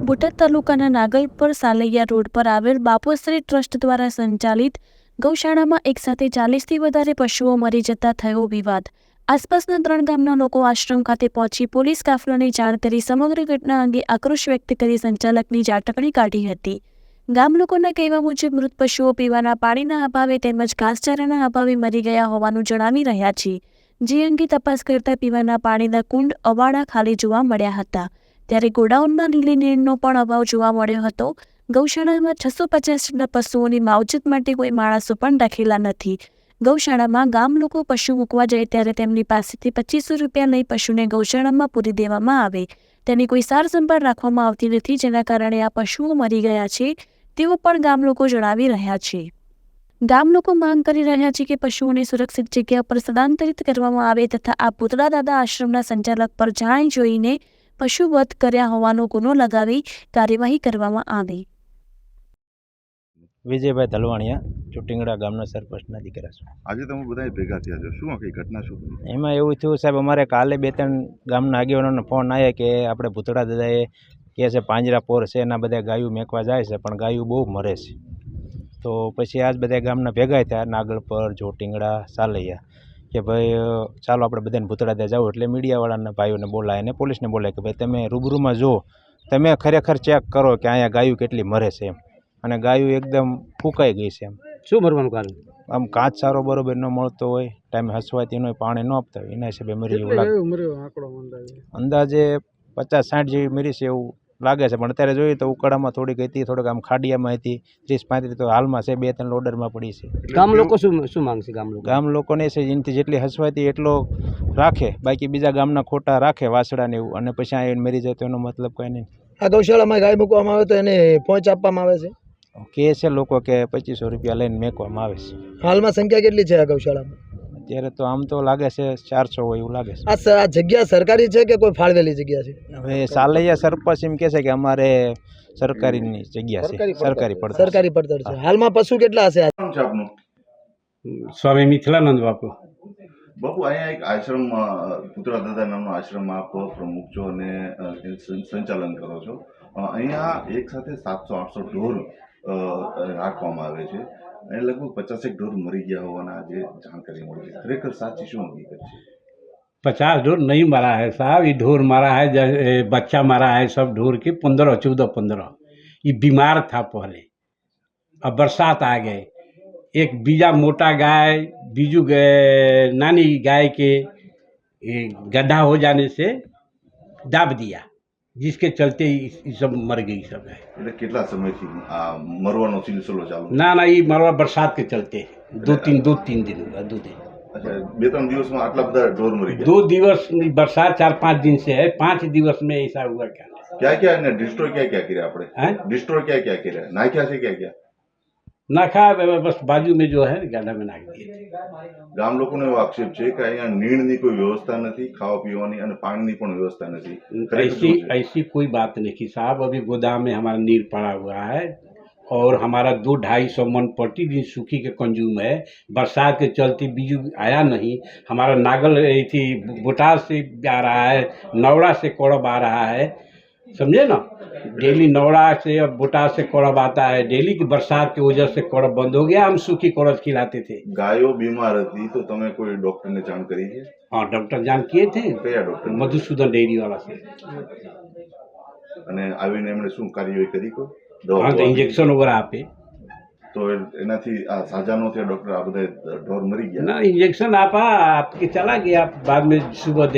બોટાદ તાલુકાના નાગલપર સાલૈયા રોડ પર આવેલ બાપુશ્રી ટ્રસ્ટ દ્વારા સંચાલિત ગૌશાળામાં એકસાથે 40થી વધારે પશુઓ મરી જતા થયો વિવાદ। આસપાસના 3 ગામના લોકો આશ્રમ ખાતે પહોંચી પોલીસ કાફલાને જાણ કરી સમગ્ર ઘટના અંગે આક્રોશ વ્યક્ત કરી સંચાલકની ઝાટકણી કાઢી હતી। ગામ લોકોના કહેવા મુજબ મૃત પશુઓ પીવાના પાણીના અભાવે તેમજ ઘાસચારાના અભાવે મરી ગયા હોવાનું જણાવી રહ્યા છે, જે અંગે તપાસ કરતા પીવાના પાણીના કુંડ અવાડા ખાલી જોવા મળ્યા હતા। ત્યારે ગોડાઉનમાં લીલી નીરનો પણ અભાવ જોવા મળ્યો હતો। ગૌશાળામાં 650 જેટલા પશુઓની માવજત માટે કોઈ માણસો પણ રાખેલા નથી। ગૌશાળામાં ગામ લોકો પશુ મૂકવા જાય ત્યારે તેમની પાસેથી 2500 રૂપિયા લઈ પશુને ગૌશાળામાં પૂરી દેવામાં આવે, તેની કોઈ સાર સંભાળ રાખવામાં આવતી નથી, જેના કારણે આ પશુઓ મરી ગયા છે તેવું પણ ગામ લોકો જણાવી રહ્યા છે। ગામ લોકો માંગ કરી રહ્યા છે કે પશુઓને સુરક્ષિત જગ્યા પર સ્થળાંતરિત કરવામાં આવે તથા આ પૂતળા દાદા આશ્રમના સંચાલક પર જાણી જોઈને પશુ વધ કર્યા હોવાનો ગુનો લગાવી કાર્યવાહી કરવામાં આવે। વિજયભાઈ ધલવાણીયા, ચુટિંગડા ગામના સરપંચના દીકરા છું। આજે તમે બધા ભેગા થયા છો, શું આખી ઘટના શું બની? એમાં એવું થયું સાહેબ, અમારે કાલે 2-3 ગામના આગેવાનોનો ફોન આવ્યા કે આપણે ભૂતળા દાદાએ કહે છે પાંજરાપોર છે એના બધા ગાયું મેકવા જાય છે, પણ ગાયું બહુ મરે છે। તો પછી આજ બધા ગામના ભેગા થયા, નાગલપર, ચોટિંગડા, સાલૈયા, કે ભાઈ ચાલો આપણે બધાને ભૂતળા દાદા જાવ। એટલે મીડિયાવાળાના ભાઈઓને બોલાય અને પોલીસને બોલાય કે ભાઈ તમે રૂબરૂમાં જો, તમે ખરેખર ચેક કરો કે અહીંયા ગાયું કેટલી મરે છે એમ। અને ગાયું એકદમ ફૂંકાઈ ગઈ છે એમ। શું ભરવાનું કારણ? આમ કાચ સારો બરોબર ન મળતો હોય, ટાઈમે હસવાતી હોય, પાણી ન આપતા હોય, એના હિસાબે મરી એવું લાગે। અંદાજે 50-60 જેવી મરી છે એવું લાગે છે, પણ અત્યારે જોઈએ તો ઉકાળામાં થોડીક હતી, થોડીક આમ ખાડિયામાં હતી, 30-35 તો હાલમાં છે, 2-3 લોડરમાં પડી છે। ગામ લોકો શું માંગશે? ગામ લોકોને છે એનાથી જેટલી હસવાતી એટલો રાખે, બાકી બીજા ગામના ખોટા રાખે વાસડાને એવું, અને પછી આ મરી જાય તો એનો મતલબ કંઈ નહીં। આ ગૌશાળામાં ગાય મૂકવામાં આવે તો એને પહોંચ આપવામાં આવે છે કે છે લોકો કે 2500 રૂપિયા લઈને મેકવામાં આવે છે। હાલમાં સંખ્યા કેટલી છે આ ગૌશાળામાં? અત્યારે તો આમ તો લાગે છે 400 હોય એવું લાગે છે। આ જગ્યા સરકારી છે કે કોઈ ફાળવેલી જગ્યા છે? હવે સાલૈયા સરપંચ એમ કહે છે કે અમારે સરકારીની જગ્યા છે, સરકારી પડતર છે। હાલમાં પશુ કેટલા હશે? શું છે આપનું? સ્વામી મિથિલાનંદ બાપુ। બાપુ, અહીંયા એક આશ્રમ, પૂતળા દાદા નામનો આશ્રમ આપ પ્રમુખ છો અને સંચાલન કરો છો। અહીંયા એક સાથે 700-800 ઢોર રાખવામાં આવે છે અને લગભગ 50 ઢોર મરી ગયા હોવાના આજે જાણકારી મળી છે। ખરેખર સાચી શું હકીકત છે? 50 ढोर नहीं मरा है साहब, ये ढोर मरा है, बच्चा मरा है सब ढोर के 15-14-15। ये बीमार था पहले, अब बरसात आ गए, एक बीजा मोटा गाय बीजू नानी गाय के गड्ढा हो जाने से दाब दिया, जिसके चलते ये सब मर गई सब है। એટલે કેટલા સમયથી આ મરવાનો સિલસિલો ચાલુ? ना ये मरवा बरसात के चलते 2-3 दिन हुआ, 2 दिन। अच्छा, 2-3 દિવસમાં આટલા બધા ઢોર મરી ગયા? 2 दिवस बरसात 4-5 दिन से है, 5 दिवस में ऐसा हुआ क्या? क्या એને ડિસ્ટ્રોય क्या કર્યા આપણે? हैं ડિસ્ટ્રોય क्या કર્યા? નાખ્યા છે क्या? नाखा बस बाजू में जो है गड्ढा में नाख दिए थे। ગામ લોકોનો એવો આક્ષેપ છે કે અહીંયા નીણની કોઈ વ્યવસ્થા નથી, ખાવા પીવાની અને પાણીની પણ વ્યવસ્થા નથી। ऐसी कोई बात नहीं कि साहब, अभी गोदाम में हमारा नीर पड़ा हुआ है और हमारा 200-250 मन प्रतिदिन सूखी के कंज्यूम है। बरसात के चलते बीजू आया नहीं, हमारा नागल थी बोटाद से आ रहा है, नवड़ा से कोड़ब आ रहा है, समझे ना। डेली नवड़ा से अब बोटाद से कोड़ब आता है, डेली की बरसात की वजह से कोड़ब बंद हो गया, हम सूखी कोड़ब खिलाते थे। ગાયો બીમાર હતી તો તમે કોઈ ડોક્ટરને જાણ કરી છે? हाँ, डॉक्टर जान किए थे, કયા ડોક્ટર? मधुसूदन डेयरी वाला से। અને આવીને એમણે શું કાર્યવાહી કરી? કોઈ हाँ, तो દવા? इंजेक्शन वगैरह आपे તો એનાથી આ સાજા નો થયા ડોક્ટર? આ બધા ઢોર મરી ગયા? ना, इंजेक्शन आपा आपके चला गया, बाद में सुबह